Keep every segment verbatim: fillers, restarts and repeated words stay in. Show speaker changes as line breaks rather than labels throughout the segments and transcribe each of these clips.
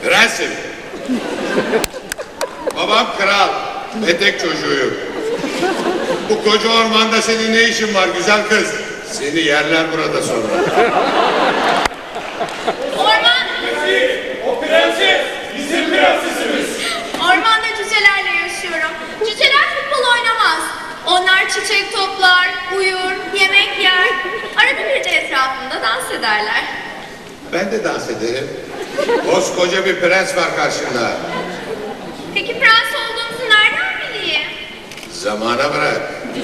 Prensim. Babam kral ve tek çocuğuyum. Bu koca ormanda senin ne işin var güzel kız? Seni yerler burada sonra.
Orman,
O prenses bizim prensesimiz.
ormanda cücelerle yaşıyorum. Cüceler futbol oynamaz. Onlar çiçek toplar, uyur, yemek yer. Arada bir de etrafında dans ederler.
Ben de dans ederim. Koskoca bir prens var karşında.
Peki prens olduğunuzu nereden bileyim?
Zamana bırak.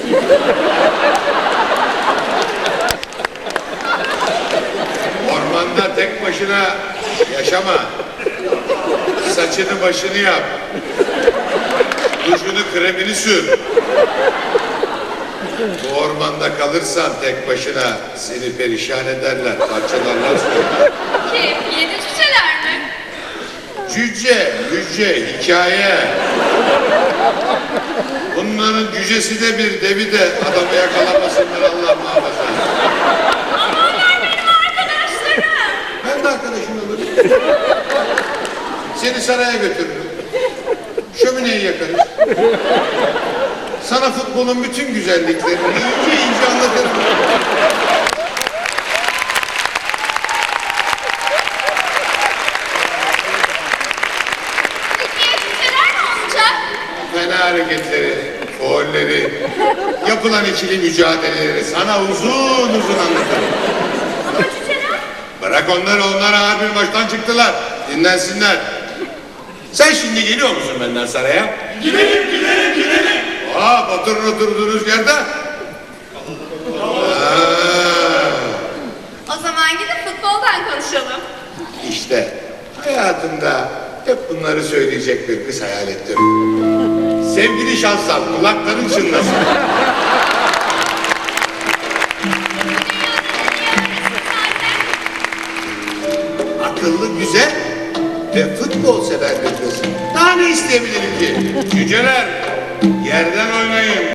Ormanda tek başına yaşama. Saçını başını yap. Duşunu kremini sür. Bu ormanda kalırsan tek başına seni perişan ederler, parçalarlar sonra.
Kim? Yedi cüceler mi?
Cüce, cüce, hikaye. Bunların cücesi de bir, devi de adamı yakalamasınlar Allah muhafaza.
Ama onlar benim arkadaşlarım.
Ben de arkadaşın olurum. Seni saraya götürürüm. Şömineyi yakarız. Sana futbolun bütün güzelliklerini ince ince anlatırım.
Peki ya cüceler ne olacak?
Fena hareketleri, faulleri, yapılan ikili mücadeleleri sana uzun uzun anlatırım.
Ama cüceler?
Bırak onları, onlar ağır bir maçtan çıktılar. Dinlensinler. Sen şimdi geliyor musun benden saraya?
Gidelim gidelim gidelim.
Aa, oturun oturduğunuz yerde. Aa,
O zaman gidip futboldan konuşalım.
işte hayatımda hep bunları söyleyecek bir kız hayal ettim. Sevgili şanslar, kulakların çınlasın. Akıllı, güzel ve futbol sever bir kız. Daha ne isteyebilirim ki? Cüceler, yerden oynayın.